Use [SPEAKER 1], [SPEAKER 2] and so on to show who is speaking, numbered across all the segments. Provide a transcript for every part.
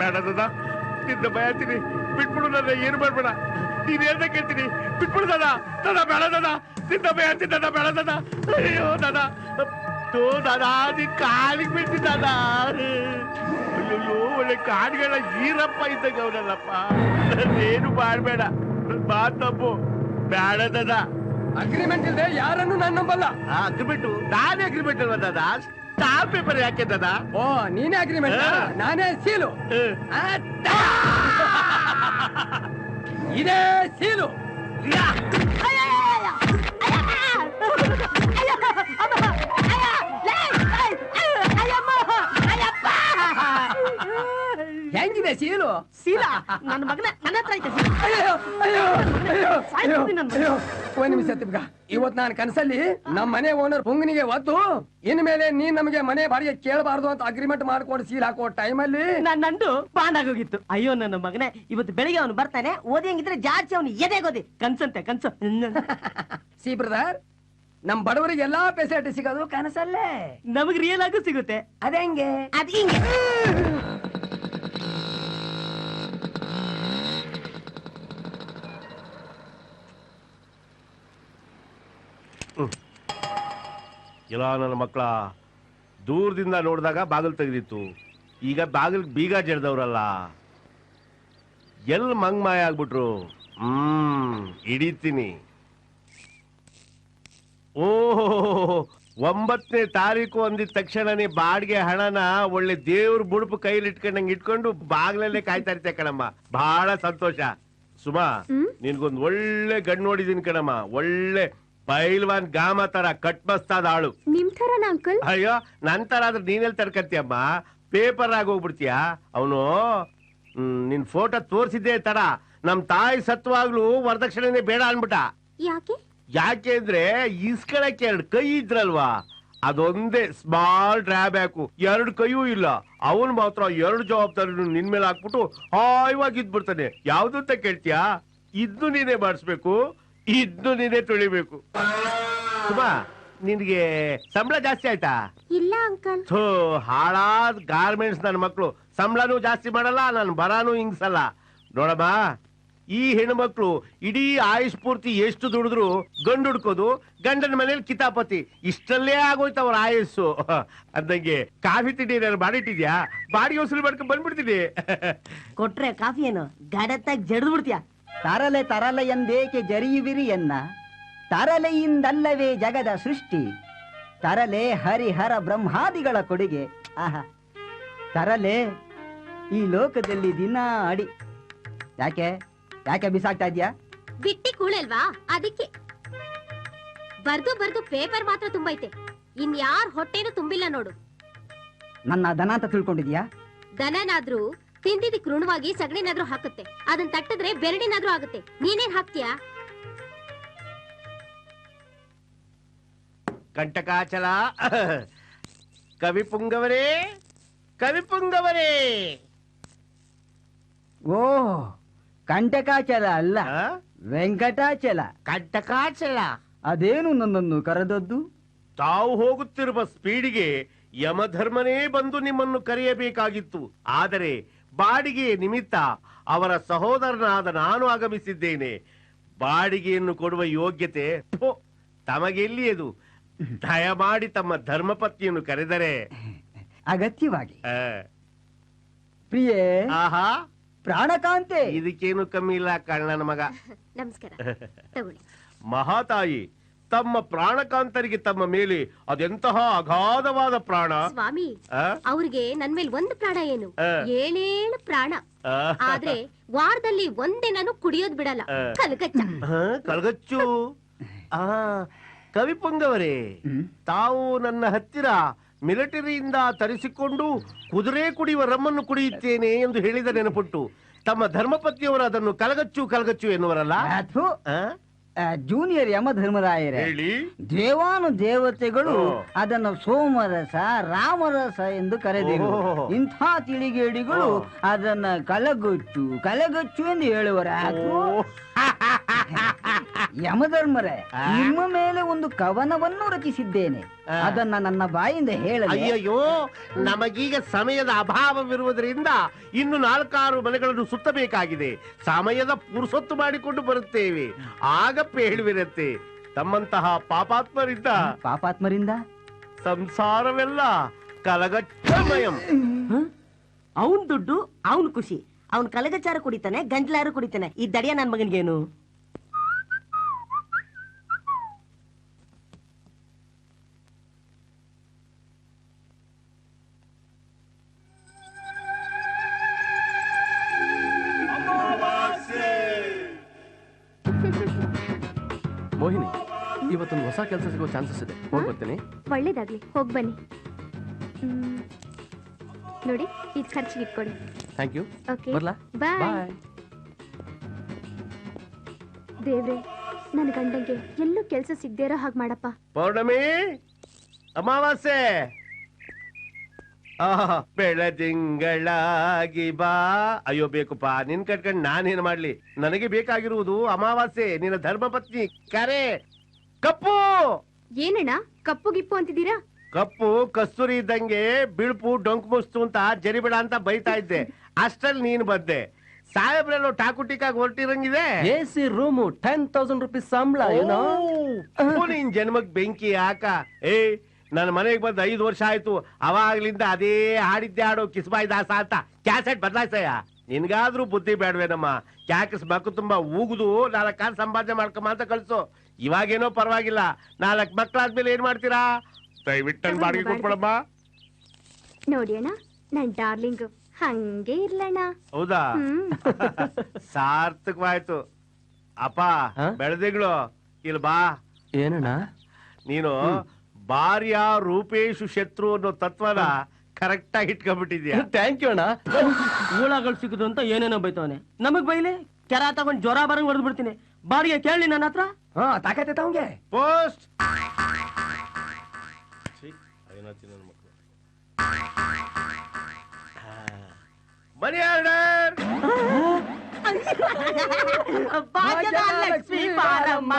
[SPEAKER 1] ಬೇಡ ದಾದಾ, ನಿನ್ನ ಬಯತೀನಿ, ಬಿಟ್ಬಿಡು ನನ್ನ, ಏನು ಮಾಡ್ಬೇಡ. ನೀನ್ ಹೇಳ್ದ ಕೇಳ್ತೀನಿ, ಬಿಟ್ಬಿಡು ದಾದಾ. ದಾದಾ ಬೇಡ ದಾದಾ, ನಿನ್ನ ಬಯತೀನಿ ದಾದಾ, ಬೇಡ ದಾದಾ. ಅಯ್ಯೋ ದಾದಾ, ದಾದಾ ನೀನ್ ಕಾಲಿಗೆ ಬಿಡ್ತೀನಿ ದಾದಾ. ಅಯ್ಯೋ ಒಳ್ಳೆ ಕಾಡುಗಳ ಈರಪ್ಪ ಇದ್ದಾಗ ಅವನಲ್ಲಪ್ಪ. ಏನು ಮಾಡ್ಬೇಡ, ಮಾತಪ್ಪು ಬೇಡ ದಾದಾ.
[SPEAKER 2] ಅಗ್ರಿಮೆಂಟ್ ಇಲ್ಲದೆ ಯಾರನ್ನು ನಾನು ನಂಬಲ್ಲ.
[SPEAKER 1] ಅಗ್ರಿಮೆಂಟ್? ನಾನೇ ಅಗ್ರಿಮೆಂಟ್ ಅಲ್ವಾ ದಾದಾ? ಸ್ಟಾಂಪ್ ಪೇಪರ್ ಯಾಕೆ ದಾದಾ?
[SPEAKER 2] ಓ ನೀನೇ ಅಗ್ರಿಮೆಂಟ್, ನಾನೇ ಸೀಲು. ಇದೇ ಸೀಲು. ಹೆಂಗಿದೆ ಸೀಲು?
[SPEAKER 3] ಸೀಲ ನನ್ನ ಮಗನ ನನ್ನ ಹತ್ರ ಐತೆ.
[SPEAKER 2] ಅಯ್ಯೋ ಅಯ್ಯೋ ಅಯ್ಯೋ ಅಯ್ಯೋ ಅಯ್ಯೋ. ಒಂದ್ ನಿಮಿಷ ತಿಮ್ಗ, ಇವತ್ ನಾನು ಕನಸಲ್ಲಿ ನಮ್ಮ ಮನೆ ಓನರ್ ಪುಂಗನಿಗೆ ಒದ್ದು ಇನ್ಮೇಲೆ ನೀನ್ ನಮಗೆ ಮನೆ ಬಾಡಿಗೆ ಕೇಳಬಾರ್ದು ಅಂತ ಅಗ್ರಿಮೆಂಟ್ ಮಾಡ್ಕೊಂಡು ಸೀಲ್ ಹಾಕೋ ಟೈಮಲ್ಲಿ
[SPEAKER 3] ನಂದು ಬಾಂಡ್ ಆಗೋಗಿತ್ತು. ಅಯ್ಯೋ ನನ್ನ ಮಗನೇ, ಇವತ್ತು ಬೆಳಿಗ್ಗೆ ಅವನು ಬರ್ತಾನೆ, ಓದಿಯಂಗಿದ್ರೆ ಜಾಸ್ತಿ ಅವನು ಎದೆಗೋದಿ ಕನ್ಸಂತೆ ಕನ್ಸು.
[SPEAKER 2] ಸಿ ಬ್ರದರ್, ನಮ್ ಬಡವರಿಗೆ ಎಲ್ಲಾ ಫೆಸಿಲಿಟಿ ಸಿಗೋದು ಕನಸಲ್ಲೇ.
[SPEAKER 3] ನಮಗ್ ರಿಯಲ್ ಆಗು ಸಿಗುತ್ತೆ.
[SPEAKER 2] ಅದೇಂಗೆ?
[SPEAKER 3] ಅದ್ ಹಿಂಗೆ.
[SPEAKER 1] ಇಲ್ಲ ನನ್ನ ಮಕ್ಕಳ, ದೂರದಿಂದ ನೋಡಿದಾಗ ಬಾಗಿಲು ತೆಗೆದಿತ್ತು, ಈಗ ಬಾಗಿಲ್ ಬೀಗ ಜಡ್ದವ್ರಲ್ಲ, ಎಲ್ ಮಂಗ್ಮಾಯ ಆಗ್ಬಿಟ್ರು. ಹಿಡಿತೀನಿ. ಓಹೋ, 9ನೇ ತಾರೀಕು ಅಂದಿದ ತಕ್ಷಣನೇ ಬಾಡಿಗೆ ಹಣನ ಒಳ್ಳೆ ದೇವ್ರ ಬುಡುಪು ಕೈಲಿ ಇಟ್ಕೊಂಡಂಗೆ ಇಟ್ಕೊಂಡು ಬಾಗ್ಲಲ್ಲೇ ಕಾಯ್ತಾ ಇರ್ತೆ ಕಣಮ್ಮ. ಬಹಳ ಸಂತೋಷ. ಸುಮಾ, ನಿನ್ಗೊಂದ್ ಒಳ್ಳೆ ಗಂಡು ನೋಡಿದೀನಿ ಕಣಮ್ಮ. ಒಳ್ಳೆ ಪೈಲ್ವಾನ್ ಗಾಮ ತರ ಕಟ್ಮಸ್ತಾದ ಆಳು.
[SPEAKER 4] ನಿಮ್ ಥರನ ಅಂಕಲ್?
[SPEAKER 1] ಅಯ್ಯೋ, ನನ್ ತರ ಆದ್ರೆ ನೀನೆಲ್ ತಡ್ಕತ್ತೀಯಮ್ಮ, ಪೇಪರ್ ಆಗಿ ಹೋಗ್ಬಿಡ್ತೀಯ. ಅವನು ನಿನ್ ಫೋಟೋ ತೋರ್ಸಿದ್ದೆ ತರ ನಮ್ ತಾಯಿ ಸತ್ವಾಗ್ಲೂ ವರದಕ್ಷಿಣೆನೆ ಬೇಡ ಅನ್ಬಿಟ್ಟ.
[SPEAKER 4] ಯಾಕೆ?
[SPEAKER 1] ಯಾಕೆ ಅಂದ್ರೆ ಇಸ್ಕೊಳಕ್ಕೆ 2 ಕೈ ಇದ್ರಲ್ವಾ, ಅದೊಂದೇ ಸ್ಮಾಲ್ ಡ್ರಾಬ್ಯಾಕು. 2 ಕೈಯೂ ಇಲ್ಲ. ಅವನು ಮಾತ್ರ 2 ಜವಾಬ್ದಾರಿ ನಿನ್ ಮೇಲೆ ಹಾಕ್ಬಿಟ್ಟು ಹಾಯವಾಗಿ ಇದ್ಬಿಡ್ತಾನೆ. ಯಾವ್ದು ಅಂತ ಕೇಳ್ತೀಯಾ? ಇದ್ದು ನೀನೇ ಮಾಡಿಸ್ಬೇಕು, ಇದ್ದು ನೀನೇ ತೊಳಿಬೇಕು. ಸುಮಾ, ನಿನ್ಗೆ ಸಂಬಳ ಜಾಸ್ತಿ ಆಯ್ತಾ?
[SPEAKER 4] ಇಲ್ಲ ಅಂಕಲ್.
[SPEAKER 1] ಥೋ, ಹಾಳಾದ್ ಗಾರ್ಮೆಂಟ್ಸ್ ನನ್ನ ಮಕ್ಳು. ಸಂಬಳನೂ ಜಾಸ್ತಿ ಮಾಡಲ್ಲ, ನನ್ ಬರಾನು ಹಿಂಗ್ಸಲ್ಲ. ನೋಡಮ್ಮ, ಈ ಹೆಣ್ಮಕ್ಳು ಇಡೀ ಆಯುಷ್ ಪೂರ್ತಿ ಎಷ್ಟು ದುಡಿದ್ರು ಗಂಡು ಹುಡ್ಕೋದು, ಗಂಡನ ಮನೇಲಿ ಕಿತಾಪತಿ, ಇಷ್ಟಲ್ಲೇ ಆಗೋಯ್ತು ಅವ್ರ ಆಯಸ್ಸು. ಅಂದಂಗೆ ಕಾಫಿ ತಿಂಡಿ ನಾನು ಮಾಡಿಟ್ಟಿದ್ಯಾ? ಬಾಡಿಗೆ ವಸೂಲಿ ಮಾಡ್ಕೊಂಡ್ ಬಂದ್ಬಿಡ್ತೀನಿ.
[SPEAKER 3] ಕೊಟ್ರೆ ಕಾಫಿ ಏನು ಗಡತ್ತಾಗಿ ಜಡ್ದು ಬಿಡ್ತೀಯ?
[SPEAKER 5] ತರಲೆ ತರಲೆ ಎಂದೇಕೆ ಜರಿಯುವಿರಿ ಎನ್ನ, ತರಲೆಯಿಂದಲ್ಲವೇ ಜಗದ ಸೃಷ್ಟಿ, ತರಲೆ ಹರಿಹರ ಬ್ರಹ್ಮಾದಿಗಳ ಕೊಡುಗೆ. ಆಹಾ, ತರಲೆ ಈ ಲೋಕದಲ್ಲಿ ದಿನ ಅಡಿ. ಯಾಕೆ ಯಾಕೆ ಬಿಸಾಕ್ತಾ ಇದ್ಯಾ?
[SPEAKER 4] ಬಿಟ್ಟಿ ಕೂಳಲ್ವಾ ಅದಕ್ಕೆ. ಬರ್ದು ಬರ್ದು ಪೇಪರ್ ಮಾತ್ರ ತುಂಬೈತೆ, ಇನ್ಯಾರ ಹೊಟ್ಟೆನೂ ತುಂಬಿಲ್ಲ ನೋಡು.
[SPEAKER 5] ನನ್ನ ದನ ಅಂತ ತಿಳ್ಕೊಂಡಿದ್ಯಾ?
[SPEAKER 4] ದನನಾದ್ರೂ ತಿಂದಿದ್ದಕ್ಕೆ ಋಣವಾಗಿ ಸಗಣಿನಾದ್ರೂ ಹಾಕುತ್ತೆ, ಅದನ್ನ ತಟ್ಟಿದ್ರೆ ಬೆರಡಿನಾದ್ರೂ ಆಗುತ್ತೆ. ನೀನೇನ್ ಹಾಕ್ತೀಯಾ?
[SPEAKER 1] ಕಂಟಕಾಚಲ. ಕವಿ ಪುಂಗವರೇ, ಕವಿ ಪುಂಗವರೇ.
[SPEAKER 5] ಓ, ಕಂಟಕಾಚಲ ಅಲ್ಲ, ವೆಂಕಟಾಚಲ.
[SPEAKER 1] ಕಂಟಕಾಚಲ
[SPEAKER 5] ಅದೇನು ನನ್ನನ್ನು ಕರೆದದ್ದು?
[SPEAKER 1] ತಾವು ಹೋಗುತ್ತಿರುವ ಸ್ಪೀಡಿಗೆ ಯಮಧರ್ಮನೇ ಬಂದು ನಿಮ್ಮನ್ನು ಕರೆಯಬೇಕಾಗಿತ್ತು. ಆದರೆ ಬಾಡಿಗೆ ನಿಮಿತ್ತ ಅವರ ಸಹೋದರನಾದ ನಾನು ಆಗಮಿಸಿದ್ದೇನೆ. ಬಾಡಿಗೆಯನ್ನು ಕೊಡುವ ಯೋಗ್ಯತೆ ತಮಗೆಲ್ಲಿಯದು? ದಯಮಾಡಿ ತಮ್ಮ ಧರ್ಮಪತ್ನಿಯನ್ನು ಕರೆದರೆ.
[SPEAKER 5] ಅಗತ್ಯವಾಗಿ. ಪ್ರಿಯೇ,
[SPEAKER 1] ಆಹಾ,
[SPEAKER 5] ಪ್ರಾಣಕಾಂತೆ.
[SPEAKER 1] ಇದಕ್ಕೇನು ಕಮ್ಮಿ ಇಲ್ಲ ಕಣ್ಣನ ಮಗ.
[SPEAKER 4] ನಮಸ್ಕಾರ, ತಗೊಳ್ಳಿ.
[SPEAKER 1] ಮಹಾತಾಯಿ, ತಮ್ಮ ಪ್ರಾಣಕಾಂತರಿಗೆ ತಮ್ಮ ಮೇಲೆ ಅದೆಂತಹ ಅಗಾಧವಾದ ಪ್ರಾಣ.
[SPEAKER 4] ಸ್ವಾಮಿ, ಅವ್ರಿಗೆ ನನ್ ಮೇಲೆ 1 ಪ್ರಾಣ ಏನು, 7 ಪ್ರಾಣ. ಆದ್ರೆ ವಾರದಲ್ಲಿ ಒಂದಿನೂ ಕುಡಿಯೋದ್ ಬಿಡಲ್ಲ. ಕಲ್ಗಚ್ಚ.
[SPEAKER 1] ಕಲ್ಗಚ್ಚು. ಕವಿ ಪುಂಗವರೇ, ತಾವು ನನ್ನ ಹತ್ತಿರ ಮಿಲಿಟರಿಯಿಂದ ತರಿಸಿಕೊಂಡು ಕುದುರೆ ಕುಡಿಯುವ ರಮ್ಮನ್ನು ಕುಡಿಯುತ್ತೇನೆ ಎಂದು ಹೇಳಿದ ನೆನಪುಂಟು. ತಮ್ಮ ಧರ್ಮಪತ್ನಿಯವರು ಅದನ್ನು ಕಲಗಚ್ಚು ಕಲಗಚ್ಚು ಎನ್ನುವರಲ್ಲ?
[SPEAKER 5] ಜೂನಿಯರ್ ಯಮಧರ್ಮರಾಯರೇ, ದೇವಾನು ದೇವತೆಗಳು ಅದನ್ನು ಸೋಮರಸ, ರಾಮರಸ ಎಂದು ಕರೆದಿರು. ಇಂಥ ತಿಳಿಗೇಡಿಗಳು ಅದನ್ನ ಕಲಗಚ್ಚು ಕಲಗಚ್ಚು ಎಂದು ಹೇಳುವರ. ಯಮಧರ್ಮರೇ, ನಿಮ್ಮ ಮೇಲೆ ಒಂದು ಕವನವನ್ನು ರಚಿಸಿದ್ದೇನೆ. ಅದನ್ನ ನನ್ನ ಬಾಯಿಂದ ಹೇಳಲಿ?
[SPEAKER 1] ಅಯ್ಯಯ್ಯೋ, ನಮಗೀಗ ಸಮಯದ ಅಭಾವವಿರುವುದರಿಂದ ಇನ್ನು 4-6 ಮನೆಗಳನ್ನು ಸುತ್ತಬೇಕಾಗಿದೆ. ಸಮಯದ ಪುರುಸೊತ್ತು ಮಾಡಿಕೊಂಡು ಬರುತ್ತೇವೆ, ಆಗ ಹೇಳುವಿರತ್ತೆ. ತಮ್ಮಂತಹ
[SPEAKER 5] ಪಾಪಾತ್ಮರಿಂದ
[SPEAKER 1] ಸಂಸಾರವೆಲ್ಲ ಕಲಗಚ್ಚಮಯಂ.
[SPEAKER 3] ಅವನ್ ದುಡ್ಡು ಅವನ್ ಖುಷಿ. ಅವನ್ ಕಲಗಚಾರ ಕುಡಿತಾನೆ, ಗಂಟ್ಲಾರು ಕುಡಿತಾನೆ. ಈ ದಡಿಯ ನನ್ ಮಗನ್ಗೇನು?
[SPEAKER 6] ಮೋಹಿನಿ, ಇವತ್ತೊಂದು ಹೊಸ ಕೆಲಸ ಸಿಗೋ ಚಾನ್ಸಸ್ ಇದೆ. ಹೋಗಿ ಬರ್ತೀನಿ.
[SPEAKER 4] ಒಳ್ಳೇದಾಗ್ಲಿ, ಹೋಗ್ ಬನ್ನಿ. ನೋಡಿ, ಇದು ಖರ್ಚಿಗೆ ಇಟ್ಕೊಳ್ಳಿ.
[SPEAKER 6] Thank you.
[SPEAKER 4] ಓಕೆ,
[SPEAKER 6] ಬರ್ಲಾ?
[SPEAKER 4] ಬಾಯ್.
[SPEAKER 6] ಬಾಯ್.
[SPEAKER 4] ದೇವ್ರೆ, ನನ್ನ ಗಂಡಂಗೆ ಎಲ್ಲೂ ಕೆಲಸ ಸಿಗದೇ ಇರೋ ಹಾಗೆ ಮಾಡಪ್ಪ.
[SPEAKER 1] ಪೌರ್ಣಮಿ, ಅಮಾವಾಸ್ಯೆ, ಬೆಳದಿಂಗಳಾಗಿ ಬಾ. ಅಯ್ಯೋ ಬೇಕುಪ್ಪ, ನಿನ್ ಕಟ್ಕೊಂಡು ನಾನೇನ್ ಮಾಡ್ಲಿ? ನನಗೆ ಬೇಕಾಗಿರುವುದು ಅಮಾವಾಸ್ಯೆ, ನಿನ್ನ ಧರ್ಮಪತ್ನಿ ಕರೆ. ಕಪ್ಪು
[SPEAKER 4] ಏನಣ್ಣ ಕಪ್ಪು ಗಿಪ್ಪು ಅಂತಿದ್ದೀರಾ?
[SPEAKER 1] ಕಪ್ಪು ಕಸ್ತೂರಿ ಇದ್ದಂಗೆ ಬಿಳುಪು ಡೊಂಕ್ ಮುಸ್ತು ಅಂತ ಜರಿಬೇಡ ಅಂತ ಬೈತಾ ಇದ್ದೆ. ಅಷ್ಟ್ರಲ್ಲಿ ನೀನ್ ಬಂದೆ. ಸಾಹೇಬ್ರೆಲ್ಲೋ ಟಾಕುಟಿಕಾಗಿ ಹೊರಟಿರಂಗಿದೆ.
[SPEAKER 6] AC ರೂಮು 10,000 rupees ಸಂಬಳ.
[SPEAKER 1] ನಿನ್ ಜನ್ಮಕ್ ಬೆಂಕಿ ಯಾಕ? ನನ್ನ ಮನೆಗೆ ಬಂದ್ 5 ವರ್ಷ ಆಯ್ತು. ಅವಾಗ್ಲಿಂದ ಅದೇ ಹಾಡಿದ್ದೆ ಹಾಡು ಕಿಸ್ಬಾಯ್ ದಾಸ ಅಂತ ಕ್ಯಾಸೆಟ್ ಬದಲಾಯ್ಸಯ್ಯ. ನಿನ್ಗಾದ್ರೂ ಬುದ್ಧಿ ಬೇಡವೇನಮ್ಮ? ಕ್ಯಾಕಸ್ ಮಕ್ಳು ತುಂಬಾ ಊಗುದು 4 ಕಾಲ್ ಸಂಪಾದನೆ ಮಾಡ್ಕೊಂಬ ಅಂತ ಕಳ್ಸು. ಇವಾಗೇನೋ ಪರವಾಗಿಲ್ಲ, 4 ಮಕ್ಳಾದ್ಮೇಲೆ ಏನ್ ಮಾಡ್ತೀರಾ? ದಯವಿಟ್ಟು ಬಾಡಿಗೆ ಕೊಟ್ಬಿಡಮ್ಮ.
[SPEAKER 4] ನೋಡಿ ಅಣ್ಣ, ನನ್ ಡಾರ್ಲಿಂಗ್ ಹಂಗೆ ಇರ್ಲಣ್ಣ.
[SPEAKER 1] ಹೌದಾ? ಸಾರ್ಥಕವಾಯ್ತು. ಅಪ್ಪ ಬೆಳೆದಿಗಳು ಇಲ್ಲಿ ಬಾ.
[SPEAKER 6] ಏನಣ್ಣ?
[SPEAKER 1] ನೀನು ಭಾರ್ಯ ರೂಪೇಶು ಶತ್ರು ಅನ್ನೋ ತತ್ವನ ಕರೆಕ್ಟ್ ಆಗಿ ಇಟ್ಕೊಂಡ್ಬಿಟ್ಟಿದ್ಯಾ.
[SPEAKER 6] ಥ್ಯಾಂಕ್ ಯು ಅಣ್ಣ.
[SPEAKER 3] ಊಳಗಳು ಸಿಗುದು ಅಂತ ಏನೇನೋ ಬೈತವನೆ. ನಮಗ್ ಬೈಲೆ ಕೆರ ತಗೊಂಡ್ ಜ್ವರ ಬರಂಗ್ ಹೊಡೆದ್ ಬಿಡ್ತೀನಿ. ಬಾಡಿಗೆ ಕೇಳಿ ನನ್ನ ಹತ್ರ.
[SPEAKER 2] ತಾಕತ್ತೈತ ಅವಂಗೆ.
[SPEAKER 1] Post money order.
[SPEAKER 3] ಲಕ್ಷ್ಮೀ ಬಾರಮ್ಮ.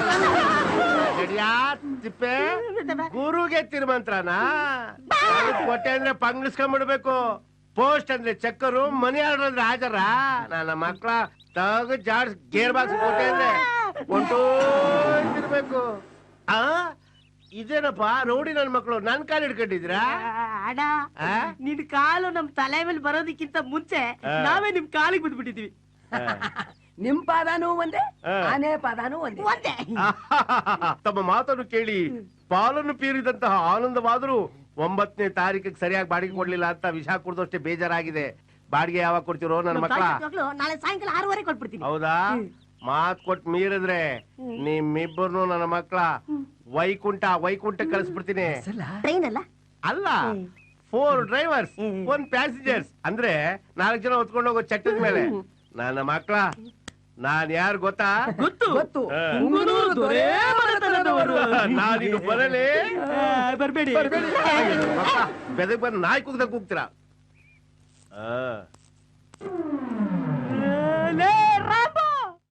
[SPEAKER 1] ತಿಪ್ಪೆ ಗುರುಗೆ ತಿರುಮಂತ್ರನ ಕೊಟ್ಟೆ ಅಂದ್ರೆ ಪಂಗಿಸ್ಕೊಂಡ್ಬಿಡ್ಬೇಕು. ಪೋಸ್ಟ್ ಅಂದ್ರೆ ಚಕ್ಕರು, ಮನಿ ಆರ್ಡರ್ ಅಂದ್ರೆ ಹಾಜರ. ನನ್ನ ಮಕ್ಳ ತಗ ಜಾಡ್ಸ್ ಗೇರ್ ಬಾಕ್ಸ್ ಕೊಟ್ಟೆ ಅಂದ್ರೆ ಹೊಂಟೋಗಿರ್ಬೇಕು. ಇದೇನಪ್ಪ ನೋಡಿ, ನನ್ ಮಕ್ಳು ನನ್ ಕಾಲು ಹಿಡ್ಕೊಂಡಿದ್ರಾ?
[SPEAKER 3] ಅಣ್ಣ, ನಿನ್ ಕಾಲು ನಮ್ ತಲೆ ಮೇಲೆ ಬರೋದಕ್ಕಿಂತ ಮುಂಚೆ ನಾವೇ ನಿಮ್ ಕಾಲಿಗೆ ಬಿದ್ಬಿಟ್ಟಿದ್ವಿ.
[SPEAKER 2] ನಿಮ್ ಪಾದಾನು ಒಂದೇ, ಆನೆ ಪಾದಾನು ಒಂದೇ.
[SPEAKER 1] ತಮ್ಮ ಮಾತನ್ನು ಕೇಳಿ ಪಾಲನ್ನು ಪೀರಿದಂತಹ ಆನಂದವಾದರೂ 9ನೇ ತಾರೀಕಿಗೆ ಸರಿಯಾಗಿ ಬಾಡಿಗೆ ಕೊಡ್ಲಿಲ್ಲ ಅಂತ ವಿಷ ಕುಡ್ದಷ್ಟೇ ಬೇಜಾರಾಗಿದೆ. ಬಾಡಿಗೆ ಯಾವಾಗ ಕೊಡ್ತಿರೋ ನನ್ನ ಮಕ್ಕಳ?
[SPEAKER 3] ನಾಳೆ ಸಾಯಂಕಾಲ 6:15 ಕೊಟ್ಬಿಡ್ತೀನಿ.
[SPEAKER 1] ಹೌದಾ? ಮಾತ್ ಕೊಟ್ಟು ಮೀರಿದ್ರೆ ನಿಮ್ಮಿಬ್ಬರು ನನ್ನ ಮಕ್ಕಳ ವೈಕುಂಠ ಕಳಿಸ್ಬಿಡ್ತೀನಿ.
[SPEAKER 3] ಟ್ರೈನ್ ಅಲ್ಲ,
[SPEAKER 1] ಅಲ್ಲ 4 ಡ್ರೈವರ್ಸ್ 1 ಪ್ಯಾಸೆಂಜರ್ಸ್ ಅಂದ್ರೆ 4 ಜನ ಹೊತ್ಕೊಂಡು ಹೋಗೋ ಚಟ್ಟದ ಮೇಲೆ. ನನ್ನ ಮಕ್ಕಳ ನಾನ್ ಯಾರು ಗೊತ್ತಾ?
[SPEAKER 3] ಗೊತ್ತು.
[SPEAKER 1] ನಾನಿನ್ನು ಬರಲೇ?
[SPEAKER 3] ಬರ್ಬೇಡಿ.
[SPEAKER 1] ಬೆದಕ್ ಬಂದು ನಾಯಿ ಕೂಗ್ದಾಗ ಕೂಗ್ತೀರಾ?